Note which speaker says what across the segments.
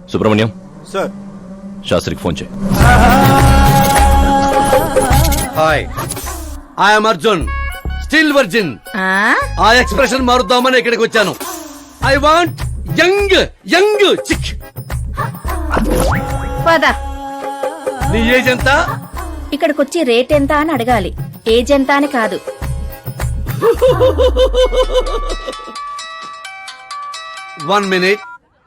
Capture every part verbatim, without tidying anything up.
Speaker 1: Subrahmanyam
Speaker 2: sir.
Speaker 1: శాస్త్రికి phone చేయి.
Speaker 2: Hi, I'm Arjun, still virgin. ఆ ఎక్స్ప్రెషన్ మారుద్దామని ఇక్కడికి వచ్చాను. I want young young chick.
Speaker 3: పద.
Speaker 2: నీ ఏజ్ ఎంత?
Speaker 3: ఇక్కడికొచ్చి రేట్ ఎంత అని అడగాలి, ఏజ్ ఎంత అని కాదు.
Speaker 2: One minute.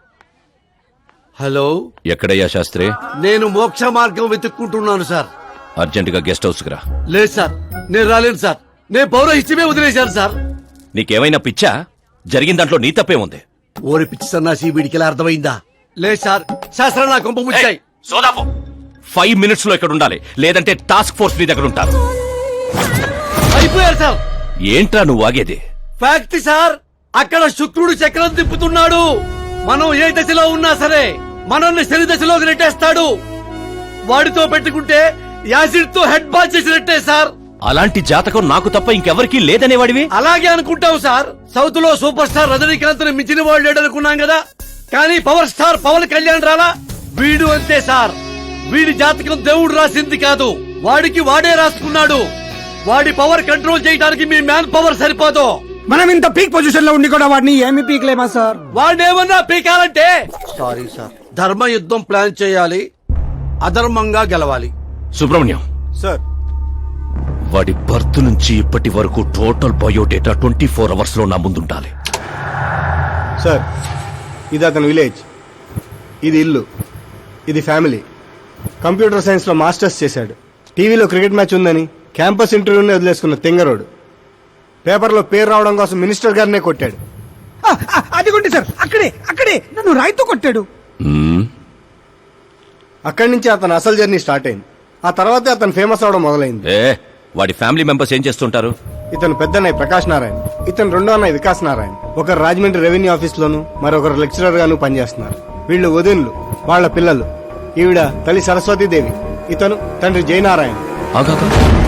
Speaker 2: హలో,
Speaker 1: ఎక్కడయ్యా శాస్త్రి?
Speaker 2: నేను మోక్ష మార్గం వెతుక్కుంటున్నాను సార్.
Speaker 1: అర్జెంట్ గా గెస్ట్ హౌస్ కి రా.
Speaker 2: లేదు సార్, నేను రాలేను సార్. నేను పౌరహిత్యమే వదిలేశాను సార్.
Speaker 1: నీకేమైనా పిచ్చా? జరిగిన దాంట్లో నీ తప్పే ఉంది.
Speaker 2: ఓరి పిచ్చి సన్నాసి, వీడికి ఎలా అర్థమైందా? లేదు సార్, శాస్త్రం నా కొంప ముచ్చాయి.
Speaker 1: సోదాపు ఫైవ్ మినిట్స్ లో ఇక్కడ ఉండాలి, లేదంటే టాస్క్ ఫోర్స్ నీ దగ్గర ఉంటారు.
Speaker 2: అయిపోయారు సార్.
Speaker 1: ఏంట్రా నువ్వు ఆగేది?
Speaker 2: ఫ్యాక్ట్ సార్, అక్కడ శుక్రుడు చక్రం తిప్పుతున్నాడు. మనం ఏ దశలో ఉన్నా సరే మనల్ని శని దశలోకి నెట్టేస్తాడు. వాడితో పెట్టుకుంటే యాసిడ్ తో హెడ్ బాల్ చేసినట్టే సార్.
Speaker 1: అలాంటి జాతకం నాకు తప్ప ఇంకెవరికీ లేదనేవాడివి.
Speaker 2: అలాగే అనుకుంటాం సార్. సౌత్ లో సూపర్ స్టార్ రజనీకాంత్ ని మించిన వాడు లేడనుకున్నాం కదా, కానీ పవర్ స్టార్ పవన్ కళ్యాణ్ రాలా. వీడు అంతే సార్. వీడి జాతకం దేవుడు రాసింది కాదు, వాడికి వాడే రాసుకున్నాడు. వాడి పవర్ కంట్రోల్ చేయడానికి మీ మ్యాన్ పవర్ సరిపోదు.
Speaker 4: మనం ఇంత పీక్ పొజిషన్ లో ఉండి కూడా వాడిని ఏమి పీక్లేమా సార్?
Speaker 2: వాడేమన్నా పీకాలంటే సారీ సార్, ధర్మ యుద్ధం ప్లాన్ చేయాలి, అధర్మంగా గెలవాలి.
Speaker 1: సుబ్రహ్మణ్యం
Speaker 2: సార్,
Speaker 1: వాడి బర్త్ నుంచి ఇప్పటి వరకు total biodata twenty four hours లో నా ముందుండాలి.
Speaker 5: సార్, ఇది అతని విలేజ్, ఇది ఇల్లు, ఇది ఫ్యామిలీ. కంప్యూటర్ సైన్స్ లో మాస్టర్స్ చేశాడు. టీవీలో క్రికెట్ మ్యాచ్ ఉందని క్యాంపస్ ఇంటర్వ్యూనే వదిలేసుకున్న తెంగరోడు. పేపర్లో పేరు రావడం కోసం మినిస్టర్ గారినే కొట్టాడు.
Speaker 4: అదిగోండి సార్, అక్కడే అక్కడే నన్ను రాయితో కొట్టాడు.
Speaker 1: మ్మ్.
Speaker 5: అక్కడి నుంచి అతని అసలు జర్నీ స్టార్ట్ అయింది. ఆ తర్వాతే అతను ఫేమస్ అవడం మొదలైంది.
Speaker 1: ఏ వాడి ఫ్యామిలీ మెంబర్స్ ఏం చేస్తుంటారు?
Speaker 5: ఇతను పెద్దన్నయ్య ప్రకాష్ నారాయణ, ఇతను రెండో అన్నయ్య వికాస్ నారాయణ. ఒకరు రాజమండ్రి రెవెన్యూ ఆఫీస్ లోను, మరొకరు లెక్చరర్ గాను పనిచేస్తున్నారు. వీళ్ళు వదినులు, వాళ్ల పిల్లలు. ఈవిడ తల్లి సరస్వతీదేవి, ఇతను తండ్రి జయనారాయణ.
Speaker 1: ఆగాగా.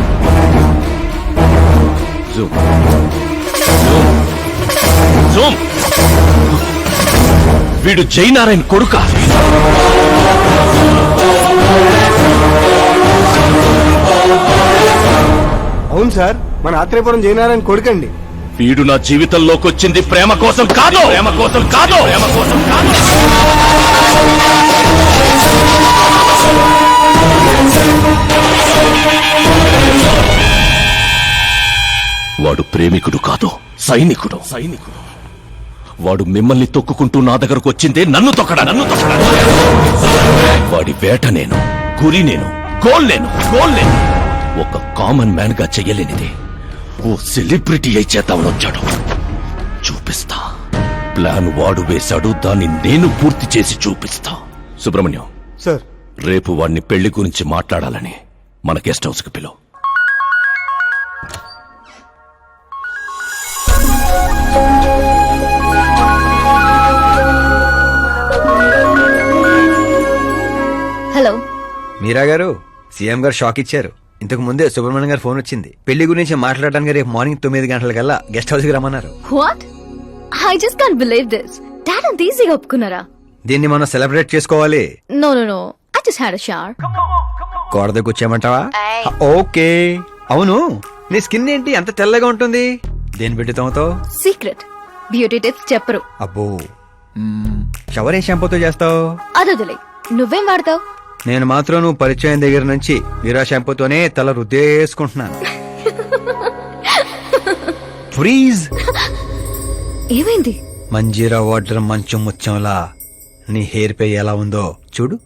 Speaker 1: జూమ్. జూమ్. వీడు జయనారాయణ కొడుకా?
Speaker 5: అవును సార్, మన ఆత్రేయపురం జయనారాయణ కొడుకండి.
Speaker 1: వీడు నా జీవితంలోకి వచ్చింది ప్రేమ కోసం కాదు, ప్రేమ కోసం కాదు, ప్రేమ కోసం కాదు. వాడు ప్రేమికుడు కాదు, సైనికుడు. సైనికుడు వాడు మిమ్మల్ని తొక్కుకుంటూ నా దగ్గరకు వచ్చిందే నన్ను తొక్కడా, నన్ను తొక్కడా. వాడి వేట నేను, గురి నేను, గోల్ నేను, గోల్ నేను. ఒక కామన్ మ్యాన్ గా చెయ్యలేనిది ఓ సెలబ్రిటీ అయి చేద్దామని వచ్చాడు. చూపిస్తా. ప్లాన్ వాడు వేశాడు, దాన్ని నేను పూర్తి చేసి చూపిస్తా. సుబ్రహ్మణ్యం
Speaker 5: సార్,
Speaker 1: రేపు వాడిని పెళ్లి గురించి మాట్లాడాలని మన గెస్ట్ హౌస్ కి పిలువు.
Speaker 3: హలో
Speaker 6: మీరా గారు, సీఎం గారు షాక్ ఇచ్చారు. ఇంతకు ముందే సుబ్రహ్మణ్యం గారు ఫోన్ వచ్చింది. పెళ్లి గురించి మాట్లాడడానికి రేపు మార్నింగ్ తొమ్మిది గంటలకల్లా గెస్ట్ హౌస్ కి రమ్మన్నారు.
Speaker 7: What? I just can't believe this. Dad అంత ఈజీగా ఒప్పుకున్నారా?
Speaker 6: దీన్ని మనం సెలబ్రేట్ చేసుకోవాలి.
Speaker 7: No no no, I just had a shower.
Speaker 6: కోడ దగ్గర కూర్చోమంటావా? ఓకే. అవును, నీ స్కిన్ ఏంటి అంత తెల్లగా ఉంటుంది? దేని పెట్టి తోమతో?
Speaker 7: సీక్రెట్ బ్యూటీ టిప్స్ చెప్పరు.
Speaker 6: అబ్బో, షవర్ ఏ షాంపూతో చేస్తావు?
Speaker 7: అదొదిలే, నువ్వేం వాడతావు?
Speaker 6: నేను మాత్రం నువ్వు పరిచయం దగ్గర నుంచి వీరా షాంపూతోనే తల రుద్దేసుకుంటున్నాను. ఫ్రీజ్.
Speaker 7: ఏమైంది?
Speaker 6: మంజీరా వాటర్ మంచు ముత్యంలా నీ హెయిర్ పై ఎలా ఉందో చూడు.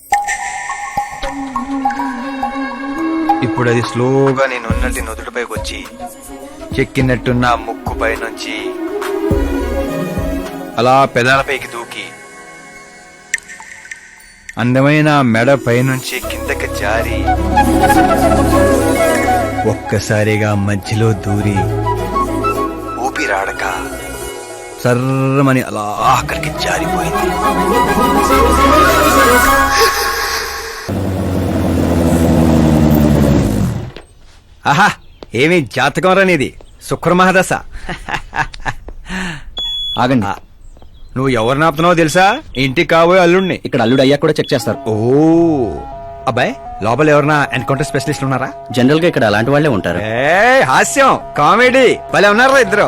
Speaker 6: ఇప్పుడు అది స్లోగా నేను ఉన్నట్టు నుదుటిపైకి వచ్చి చెక్కినట్టున్న ముక్కుపై నుంచి అలా పెదాలపైకి దూకి అందమైన మెడ పైనుంచి కిందకి జారి ఒక్కసారిగా మధ్యలో దూరి ఊపిరాడక సర్రమని అలా అక్కడికి జారిపోయింది. ఆహా, ఏమి జాతకం రానిది, శుక్ర మహాదశ.
Speaker 4: ఆగండి,
Speaker 6: నువ్వు ఎవరిని ఆపుతున్నావో తెలుసా? ఇంటికి కాబోయే అల్లుడిని.
Speaker 8: ఇక్కడ అల్లుడు అయ్యా కూడా చెక్ చేస్తారు.
Speaker 6: ఓ అబ్బాయి, లోపల ఎవరన్నా ఎన్కౌంటర్ స్పెషలిస్ట్ ఉన్నారా?
Speaker 8: జనరల్ గా ఇక్కడ అలాంటి వాళ్ళే ఉంటారు.
Speaker 6: ఏ హాస్యం, కామెడీ భలే ఉన్నారా ఇద్దరు.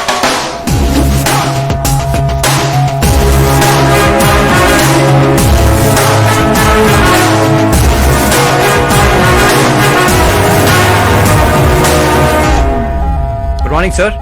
Speaker 6: Good morning sir.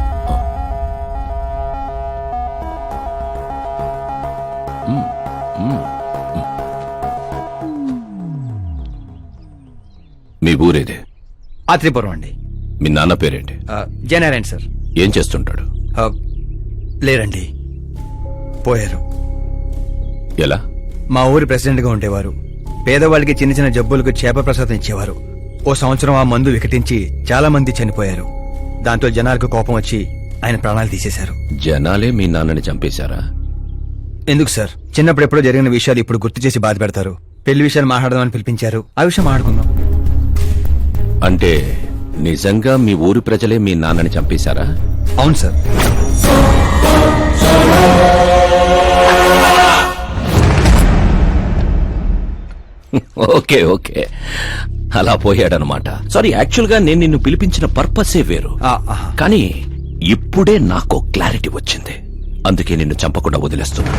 Speaker 1: మీ ఊరేదే?
Speaker 6: ఆత్రిపురం అండి.
Speaker 1: మీ నాన్న పేరేంటి?
Speaker 6: జయనారాయణ సార్.
Speaker 1: ఏం చేస్తుంటాడు?
Speaker 6: ఆ, లేరండి, పోయారు.
Speaker 1: ఎలా?
Speaker 6: మా ఊరి ప్రెసిడెంట్ గా ఉండేవారు. పేదవాళ్ళకి చిన్న చిన్న జబ్బులకు చేప ప్రసాదం ఇచ్చేవారు. ఓ సంవత్సరం ఆ మందు వికటించి చాలా మంది చనిపోయారు. దాంతో జనాలకు కోపం వచ్చి ఆయన ప్రాణాలు తీసేశారు.
Speaker 1: జనాలే మీ నాన్నని చంపేశారా?
Speaker 6: ఎందుకు సార్, చిన్నప్పుడు ఎప్పుడో జరిగిన విషయాలు ఇప్పుడు గుర్తు చేసి బాధ పెడతారు. పెళ్లి విషయాలు మాట్లాడదామని పిలిపించారు, ఆ విషయం మాట్లాడుకుందాం.
Speaker 1: అంటే నిజంగా మీ ఊరి ప్రజలే మీ నాన్నని చంపేశారా?
Speaker 6: అవును సార్.
Speaker 1: ఓకే ఓకే, అలా పోయాడనమాట. సారీ, యాక్చువల్ గా నేను నిన్ను పిలిపించిన పర్పసే వేరు.
Speaker 6: ఆ, ఆహా.
Speaker 1: కానీ ఇప్పుడే నాకు క్లారిటీ వచ్చింది. అందుకే నిన్ను చంపకుండా వదిలేస్తున్నా.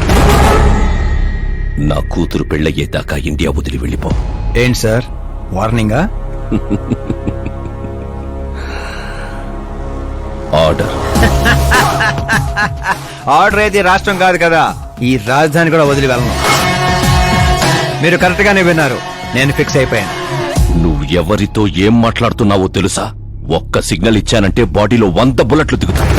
Speaker 1: నా కూతురు పెళ్ళయ్యేదాకా ఇండియా వదిలి వెళ్ళిపో.
Speaker 6: ఏంటి సార్, వార్నింగా?
Speaker 1: ఆర్డర్.
Speaker 6: ఆర్డర్ అయితే రాష్ట్రం కాదు కదా, ఈ రాజధాని కూడా వదిలి వెళ్ళను. మీరు కరెక్ట్ గానే విన్నారు, నేను ఫిక్స్ అయిపోయాను.
Speaker 1: నువ్వు ఎవరితో ఏం మాట్లాడుతున్నావో తెలుసా? ఒక్క సిగ్నల్ ఇచ్చానంటే బాడీలో వంద బుల్లెట్లు దిగుతాయి.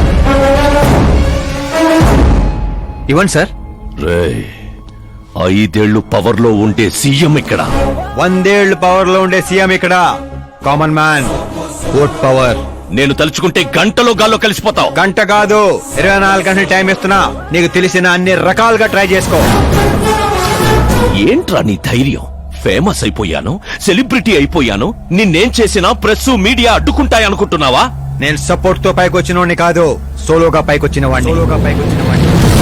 Speaker 6: ఇవ్వండి సార్.
Speaker 1: రేయ్, ఐదేళ్లు పవర్ లో ఉండే సీఎం ఇక్కడ.
Speaker 6: వందేళ్లు పవర్ లో ఉండే సీఎం ఇక్కడ. Common man, vote power.
Speaker 1: నేను తలుచుకుంటే గంటలో గాల్లో కలిసిపోతావు.
Speaker 6: గంట కాదు, ఇరవై నాలుగు గంటలు టైం ఇస్తున్నా. నీకు తెలిసిన అన్ని రకాలుగా ట్రై చేసుకో.
Speaker 1: ఏంట్రా నీ ధైర్యం? ఫేమస్ అయిపోయాను, సెలబ్రిటీ అయిపోయాను, నిన్నేం చేసినా ప్రెస్ మీడియా అడ్డుకుంటాయనుకుంటున్నావా?
Speaker 6: నేను సపోర్ట్ తో పైకి వచ్చిన వాడిని కాదు, సోలోగా పైకి వచ్చిన వాడిని. సోలోగా పైకి వచ్చిన వాడిని.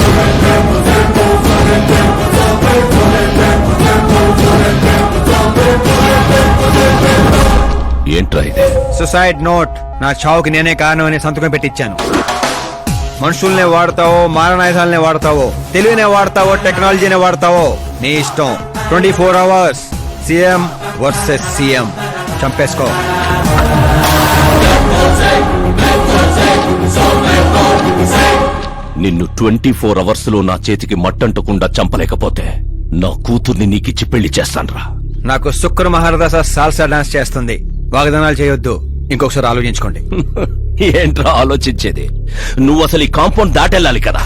Speaker 1: ఏంట్రా ఇదే?
Speaker 6: Suicide note. నా చావుకి నేనే కారణం అని సంతకం పెట్టించాను. మనుషుల్నే వాడతావో, మారణాయుధాలనే వాడతావో, తెలివినే వాడతావో, టెక్నాలజీనే వాడతావో, నీ ఇష్టం. Twenty four hours CM versus CM. చంపేసుకో.
Speaker 1: నిన్ను ట్వంటీ ఫోర్ అవర్స్ లో నా చేతికి మట్టంటకుండా చంపలేకపోతే నా కూతుర్ని నీకిచ్చి పెళ్లి చేస్తాన్రా.
Speaker 6: నాకు శుక్ర మహారదాస సాల్సా డాన్స్ చేస్తుంది. వాగ్దానాలు చేయొద్దు, ఇంకొకసారి ఆలోచించుకోండి.
Speaker 1: ఏంట్రా ఆలోచించేది? నువ్వు అసలు ఈ కాంపౌండ్ దాటెళ్ళాలి కదా.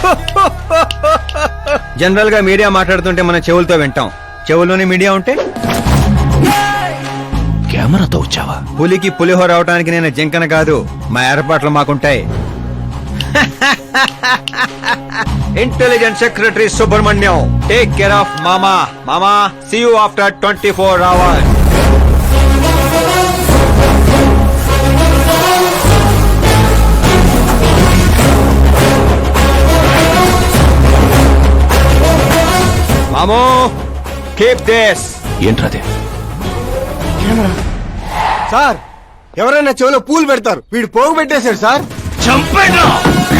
Speaker 6: జనరల్ గా మీడియా మాట్లాడుతుంటే మన చెవులతో వింటాం, చెవుల్లోనే మీడియా ఉంటే?
Speaker 1: కెమెరాతో వచ్చావా?
Speaker 6: పులికి పులిహోర అవటానికి నేను జింకన కాదు, మా ఏర్పాట్లు మాకుంటాయి. Intelligence secretary Subrahmanyam, take care of మామా. మామా, see you after twenty four hours. మామో, కీప్ దిస్.
Speaker 1: ఏంట్రాదే?
Speaker 5: సార్, ఎవరైనా చెవిలో పూలు పెడతారు, వీడు పోగు పెట్టేశాడు సార్.
Speaker 1: చంపేనా?